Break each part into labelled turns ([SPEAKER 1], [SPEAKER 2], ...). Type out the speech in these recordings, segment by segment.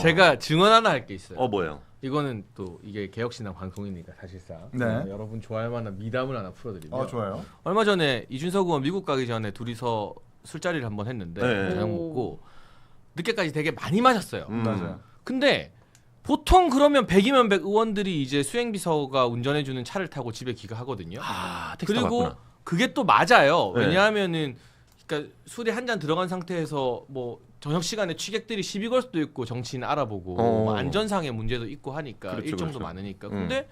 [SPEAKER 1] 제가 증언 하나 할 게 있어요.
[SPEAKER 2] 뭐예요?
[SPEAKER 1] 이거는 또 이게 개혁신당 방송이니까 사실상
[SPEAKER 3] 네.
[SPEAKER 1] 여러분 좋아할 만한 미담을 하나 풀어드리면
[SPEAKER 3] 좋아요.
[SPEAKER 1] 얼마 전에 이준석 의원 미국 가기 전에 둘이서 술자리를 한번 했는데
[SPEAKER 2] 네.
[SPEAKER 1] 저녁 먹고 늦게까지 되게 많이 마셨어요.
[SPEAKER 3] 맞아요.
[SPEAKER 1] 근데 보통 그러면 100이면 100 의원들이 이제 수행비서가 운전해주는 차를 타고 집에 귀가하거든요.
[SPEAKER 2] 택시
[SPEAKER 1] 그리고
[SPEAKER 2] 타봤구나.
[SPEAKER 1] 그게 또 맞아요.
[SPEAKER 2] 네.
[SPEAKER 1] 왜냐하면은 그러니까 술이 한 잔 들어간 상태에서 뭐 저녁 시간에 취객들이 시비 걸 수도 있고 정치인 알아보고 뭐 안전상의 문제도 있고 하니까
[SPEAKER 2] 그렇죠,
[SPEAKER 1] 일정도
[SPEAKER 2] 그렇죠.
[SPEAKER 1] 많으니까. 근데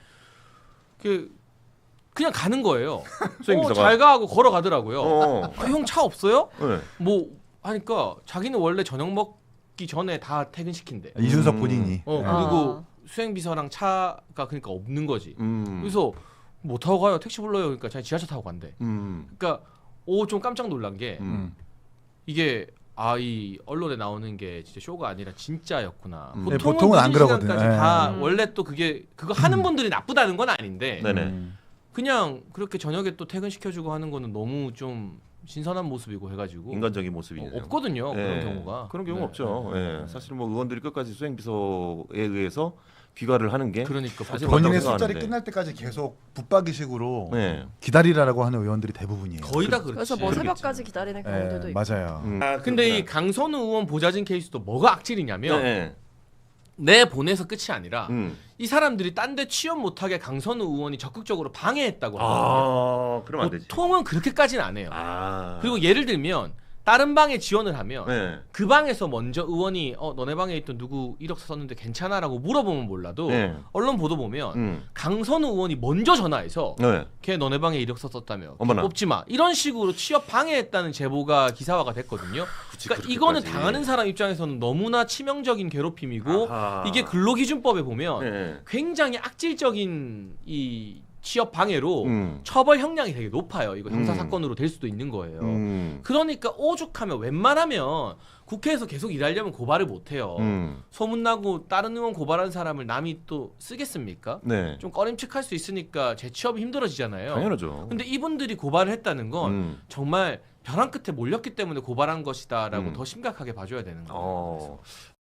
[SPEAKER 1] 그냥 가는 거예요.
[SPEAKER 2] 수행비서가?
[SPEAKER 1] 잘 가고 걸어가더라고요. 형 차 없어요?
[SPEAKER 2] 네.
[SPEAKER 1] 뭐 하니까 자기는 원래 저녁 먹기 전에 다 퇴근시킨대.
[SPEAKER 3] 이준석 본인이.
[SPEAKER 1] 그리고 수행비서랑 차가 그러니까 없는 거지. 그래서 뭐 타고 가요? 택시 불러요. 그러니까 자기 지하철 타고 간대. 그러니까 좀 깜짝 놀란 게 이게 이 언론에 나오는 게 진짜 쇼가 아니라 진짜였구나.
[SPEAKER 3] 네, 보통은 안 그러거든.
[SPEAKER 1] 다 원래 또 그거 하는 분들이 나쁘다는 건 아닌데
[SPEAKER 2] 네네.
[SPEAKER 1] 그냥 그렇게 저녁에 또 퇴근시켜주고 하는 거는 너무 좀 신선한 모습이고 해가지고
[SPEAKER 2] 인간적인 모습이네요.
[SPEAKER 1] 없거든요.
[SPEAKER 2] 네.
[SPEAKER 1] 그런 경우가.
[SPEAKER 2] 그런 경우
[SPEAKER 1] 네.
[SPEAKER 2] 없죠. 예. 사실 뭐 의원들이 끝까지 수행비서에 의해서 귀가를 하는 게
[SPEAKER 1] 그러니까
[SPEAKER 2] 사실
[SPEAKER 3] 본인의
[SPEAKER 2] 맞다고
[SPEAKER 3] 술자리
[SPEAKER 2] 생각하는데.
[SPEAKER 3] 끝날 때까지 계속 붙박이식으로
[SPEAKER 2] 네.
[SPEAKER 3] 기다리라고 하는 의원들이 대부분이에요.
[SPEAKER 1] 거의 다 그렇지.
[SPEAKER 4] 그래서 뭐 새벽까지 기다리는 경우들도 있고.
[SPEAKER 3] 맞아요.
[SPEAKER 1] 근데 이 강선우 의원 보좌진 케이스도 뭐가 악질이냐면
[SPEAKER 2] 네.
[SPEAKER 1] 내 보내서 끝이 아니라
[SPEAKER 2] 음.
[SPEAKER 1] 이 사람들이 딴 데 취업 못하게 강선우 의원이 적극적으로 방해했다고 하거든요.
[SPEAKER 2] 그러면 안 되지.
[SPEAKER 1] 보통은 그렇게까지는 안 해요.
[SPEAKER 2] 아.
[SPEAKER 1] 그리고 예를 들면 다른 방에 지원을 하면
[SPEAKER 2] 네.
[SPEAKER 1] 그 방에서 먼저 의원이 너네 방에 있던 누구 이력서 썼는데 괜찮아라고 물어보면 몰라도
[SPEAKER 2] 네.
[SPEAKER 1] 언론 보도 보면 강선우 의원이 먼저 전화해서
[SPEAKER 2] 네.
[SPEAKER 1] 걔 너네 방에 이력서 썼다며
[SPEAKER 2] 어머나.
[SPEAKER 1] 뽑지 마 이런 식으로 취업 방해했다는 제보가 기사화가 됐거든요. 그러니까 이거는
[SPEAKER 2] 그렇게까지.
[SPEAKER 1] 당하는 사람 입장에서는 너무나 치명적인 괴롭힘이고
[SPEAKER 2] 아하.
[SPEAKER 1] 이게 근로기준법에 보면
[SPEAKER 2] 네.
[SPEAKER 1] 굉장히 악질적인 이 취업 방해로
[SPEAKER 2] 음.
[SPEAKER 1] 처벌 형량이 되게 높아요. 이거 형사 사건으로 될 수도 있는 거예요. 그러니까 오죽하면 웬만하면 국회에서 계속 일하려면 고발을 못 해요. 소문나고 다른 의원 고발한 사람을 남이 또 쓰겠습니까?
[SPEAKER 2] 네.
[SPEAKER 1] 좀 꺼림칙할 수 있으니까 재취업이 힘들어지잖아요.
[SPEAKER 2] 당연하죠.
[SPEAKER 1] 근데 이분들이 고발을 했다는 건 정말 벼랑 끝에 몰렸기 때문에 고발한 것이다라고 더 심각하게 봐줘야 되는 거예요.